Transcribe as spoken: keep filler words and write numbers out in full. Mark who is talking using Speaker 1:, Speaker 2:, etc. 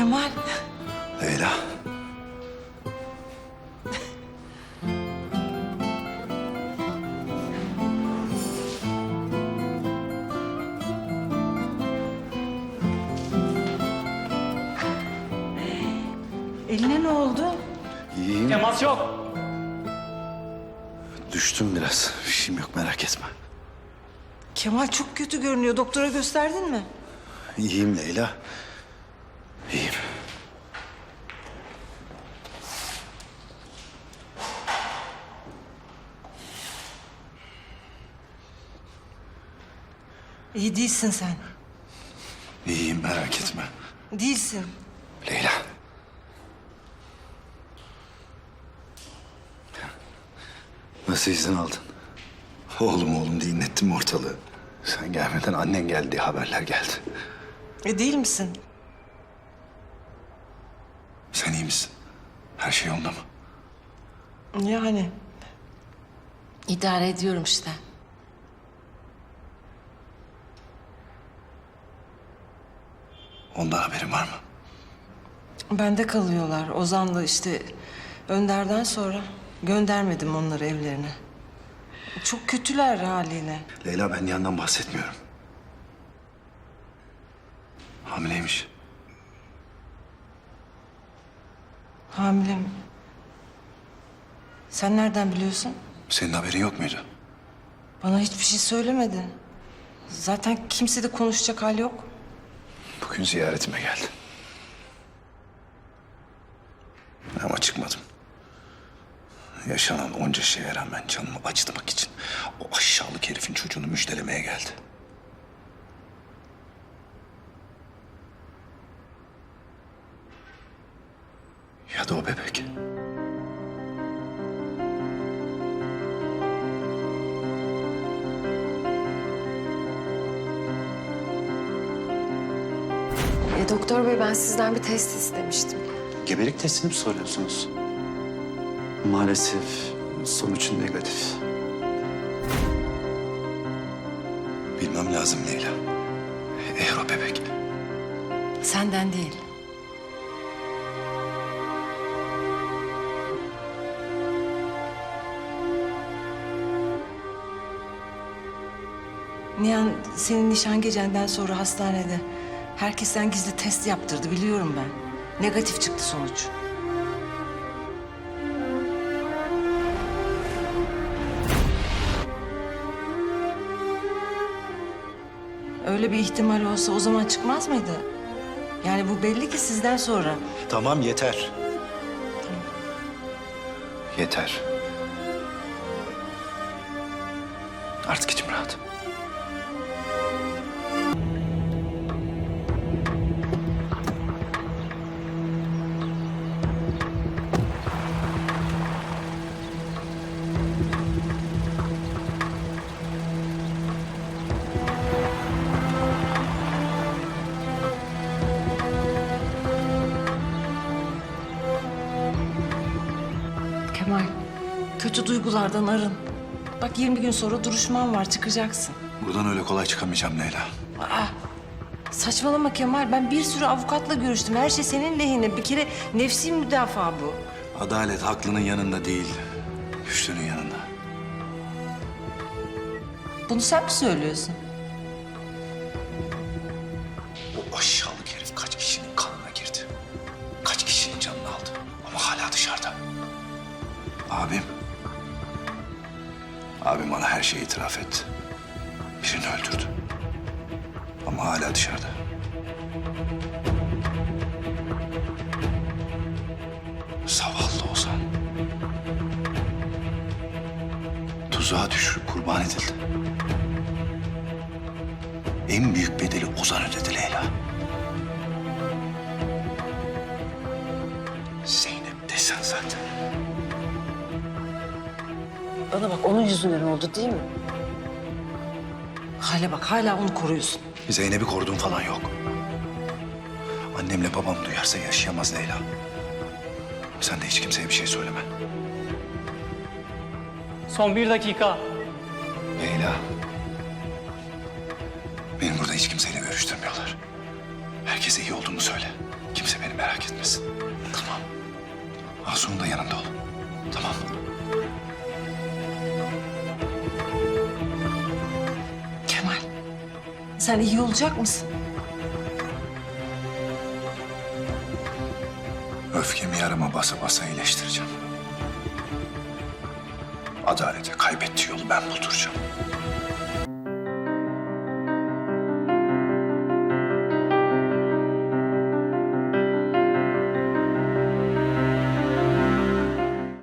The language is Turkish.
Speaker 1: Kemal.
Speaker 2: Leyla.
Speaker 1: Eline ne oldu?
Speaker 2: İyiyim.
Speaker 3: Temas yok.
Speaker 2: Düştüm biraz. Bir şeyim yok, merak etme.
Speaker 1: Kemal çok kötü görünüyor. Doktora gösterdin mi?
Speaker 2: İyiyim Leyla. İyiyim.
Speaker 1: İyi değilsin sen.
Speaker 2: İyiyim, merak etme.
Speaker 1: Değilsin.
Speaker 2: Leyla. Nasıl izin aldın? Oğlum oğlum diye inlettim ortalığı. Sen gelmeden annen geldi diye haberler geldi.
Speaker 1: E değil misin?
Speaker 2: Sen iyi misin? Her şey yolunda mı?
Speaker 1: Yani. İdare ediyorum işte.
Speaker 2: Ondan haberin var mı?
Speaker 1: Bende kalıyorlar. Ozan'la işte Önder'den sonra göndermedim onları evlerine. Çok kötüler haliyle.
Speaker 2: Leyla, ben yandan bahsetmiyorum. Hamileymiş.
Speaker 1: Hamile mi? Sen nereden biliyorsun?
Speaker 2: Senin haberin yok muydu?
Speaker 1: Bana hiçbir şey söylemedi. Zaten kimse de konuşacak hali yok.
Speaker 2: Bugün ziyaretime geldi. Ama çıkmadım. Yaşanan onca şeye rağmen canımı acıtmak için o aşağılık herifin çocuğunu müjdelemeye geldi. Ya da o bebek.
Speaker 4: E, doktor bey, ben sizden bir test istemiştim.
Speaker 5: Gebelik testini mi soruyorsunuz? Maalesef sonuç negatif.
Speaker 2: Bilmem lazım Leyla. Eğer o bebek.
Speaker 1: Senden değil. Nihan senin nişan gecenden sonra hastanede herkesten gizli test yaptırdı, biliyorum ben. Negatif çıktı sonuç. Öyle bir ihtimal olsa o zaman çıkmaz mıydı? Yani bu belli ki sizden sonra.
Speaker 2: Tamam, yeter. Yeter. Artık içim rahat.
Speaker 1: Kemal, kötü duygulardan arın. Bak yirmi gün sonra duruşman var, çıkacaksın.
Speaker 2: Buradan öyle kolay çıkamayacağım Leyla.
Speaker 1: Aa, saçmalama Kemal. Ben bir sürü avukatla görüştüm. Her şey senin lehine. Bir kere nefsi müdafaa bu.
Speaker 2: Adalet haklının yanında değil, güçlünün yanında.
Speaker 1: Bunu sen mi söylüyorsun?
Speaker 2: O aşağılık herif kaç kişinin kanına girdi. Kaç kişinin canını aldı. Ama hala dışarıda. Abim. Abim bana her şeyi itiraf etti. Birini öldürdü. Ama hala dışarıda. Zavallı Ozan. Tuzağa düşürüp kurban edildi. En büyük bedeli Ozan ödedi Leyla. Zeynep desen zaten.
Speaker 1: Bana bak, onun yüzünden oldu değil mi? Hale bak, hala onu koruyorsun.
Speaker 2: Zeynep'i koruduğum falan yok. Annemle babam duyarsa yaşayamaz Leyla. Sen de hiç kimseye bir şey söyleme.
Speaker 3: Son bir dakika.
Speaker 2: Leyla. Benim burada hiç kimseyle görüştürmüyorlar. Herkese iyi olduğumu söyle. Kimse benim beni merak etmesin. Tamam. Asu'nun da yanında ol. Tamam mı?
Speaker 1: Kemal, sen iyi olacak mısın?
Speaker 2: Öfkemi yarama basa basa iyileştireceğim. Adalete kaybettiği yolu ben bulduracağım.